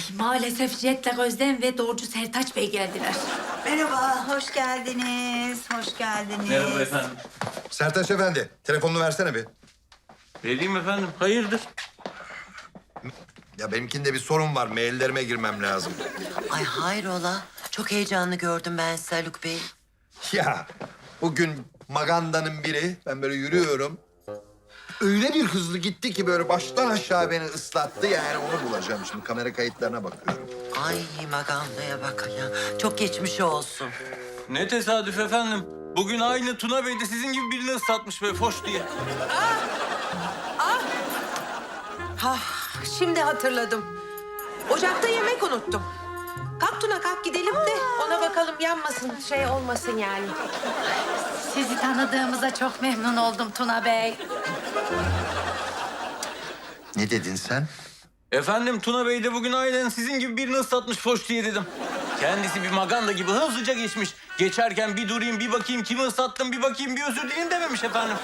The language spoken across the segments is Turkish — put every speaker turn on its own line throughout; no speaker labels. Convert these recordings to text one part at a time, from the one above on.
Maalesef Jet'le Özlem ve Doğrucu Sertaç Bey geldiler.
Merhaba, hoş geldiniz. Hoş geldiniz.
Merhaba efendim.
Sertaç Efendi, telefonunu versene bir.
Vereyim efendim. Hayırdır?
Ya benimkinde bir sorun var, maillerime girmem lazım.
Ay hayrola? Çok heyecanlı gördüm ben sizi Haluk Bey.
Ya bugün Maganda'nın biri, ben böyle yürüyorum. Öyle bir hızlı gitti ki böyle baştan aşağı beni ıslattı. Yani onu bulacağım şimdi, kamera kayıtlarına bakıyorum.
Ay Maganda'ya bak ya. Çok geçmiş olsun.
Ne tesadüf efendim. Bugün aynı Tuna Bey de sizin gibi birini ıslatmış böyle foş diye.
Şimdi hatırladım. Ocakta yemek unuttum. Kalk Tuna kalk gidelim de ona bakalım yanmasın şey olmasın yani.
Sizi tanıdığımıza çok memnun oldum Tuna Bey.
Ne dedin sen?
Efendim Tuna Bey de bugün aynen sizin gibi birini ıslatmış foş diye dedim. Kendisi bir maganda gibi hızlıca geçmiş. Geçerken bir durayım, bir bakayım kimi ıslattım, bir bakayım, bir özür dileyim dememiş efendim.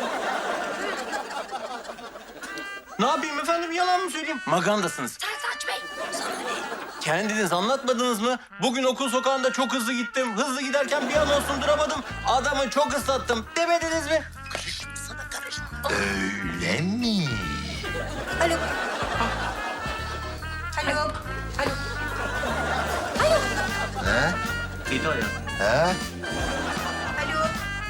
Ne yapayım efendim, yalan mı söyleyeyim? Magandasınız.
Sertaç Bey.
Kendiniz anlatmadınız mı? Bugün okul sokağında çok hızlı gittim. Hızlı giderken bir an olsun duramadım. Adamı çok ıslattım demediniz mi?
Öyle mi?
Alo. Alo. Alo.
He?
İyi ya.
He?
Alo.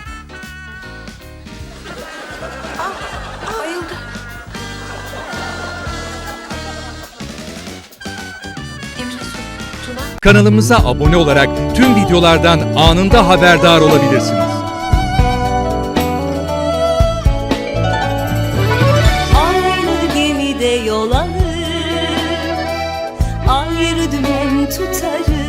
Bayıldı.
Emine Su.
Tuna.
Kanalımıza abone olarak tüm videolardan anında haberdar olabilirsiniz.
Aynı gemide yol alır, ayrı dümen tutarız.